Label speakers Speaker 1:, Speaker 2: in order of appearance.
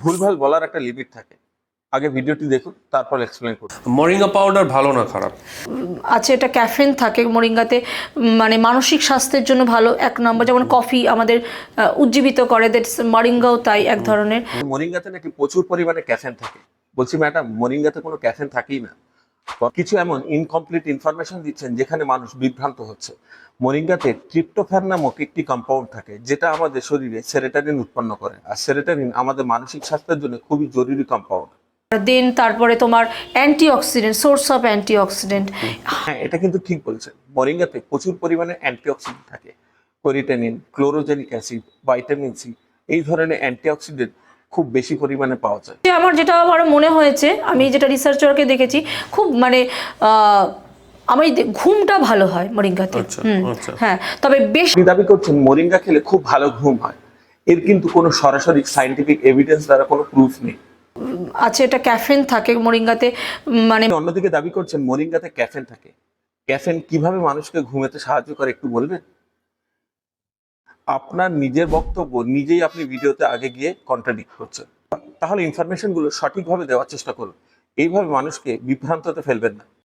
Speaker 1: ভুলভাল বলার একটা লিমিট থাকে। আগে ভিডিওটি দেখুন, তারপর এক্সপ্লেন করুন।
Speaker 2: মরিঙ্গা পাউডার ভালো না খারাপ?
Speaker 3: আছে, এটা ক্যাফেন থাকে মোরিঙ্গাতে, মানে মানসিক স্বাস্থ্যের জন্য ভালো এক নম্বর। যেমন কফি আমাদের উজ্জীবিত করে, দ্যাটস মোরিঙ্গাও তাই এক ধরনের।
Speaker 1: মোরিঙ্গাতে নাকি প্রচুর পরিমাণে ক্যাফেন থাকে। বলছি ম্যাডাম, মোরিঙ্গাতে কোনো ক্যাফেন থাকেই না। কিছু এমন ইনকমপ্লিট ইনফরমেশন দিচ্ছেন যেখানে মানুষ বিভ্রান্ত হচ্ছে। মোরিঙ্গাতে ট্রিপ্টোফ্যান নামক একটি কম্পাউন্ড থাকে, যেটা আমাদের শরীরে সেরোটোনিন উৎপন্ন করে, আর সেরোটোনিন আমাদের মানসিক স্বাস্থ্যের জন্য খুবই জরুরি কম্পাউন্ড।
Speaker 3: দেন তারপরে তোমার অ্যান্টিঅক্সিডেন্ট, সোর্স অফ অ্যান্টিঅক্সিডেন্ট।
Speaker 1: হ্যাঁ, এটা কিন্তু ঠিক বলছেন। মোরিঙ্গাতে প্রচুর পরিমাণে অ্যান্টিঅক্সিডেন্ট থাকে। কোরিটেনিন, ক্লোরোজেনিক অ্যাসিড, ভাইটামিন সি, এই ধরনের অ্যান্টিঅক্সিডেন্ট খুব বেশি পরিমাণে পাওয়া যায়।
Speaker 3: আমার যেটা আমার মনে হয়েছে, আমি যেটা রিসার্চারকে দেখেছি, খুব মানে আমি ঘুমটা ভালো হয় মোরিঙ্গাতে। হ্যাঁ, তবে বেশ
Speaker 1: দাবি করছেন মোরিঙ্গা খেলে খুব ভালো ঘুম হয়। এর কিন্তু কোনো সরাসরি সায়েন্টিফিক এভিডেন্স দ্বারা কোনো প্রুফ নেই।
Speaker 3: আছে, এটা ক্যাফেন থাকে মোরিঙ্গাতে, মানে
Speaker 1: অন্যদিকে দাবি করছেন মোরিঙ্গাতে ক্যাফেন থাকে। ক্যাফেন কিভাবে মানুষকে ঘুমাতে সাহায্য করে একটু বলবেন? আপনার নিজের বক্তব্য নিজেই আপনি ভিডিওতে আগে গিয়ে কন্ট্রাডিক্ট করছেন। তাহলে ইনফরমেশন গুলো সঠিকভাবে দেওয়ার চেষ্টা করুন। এইভাবে মানুষকে বিভ্রান্ততে ফেলবেন না।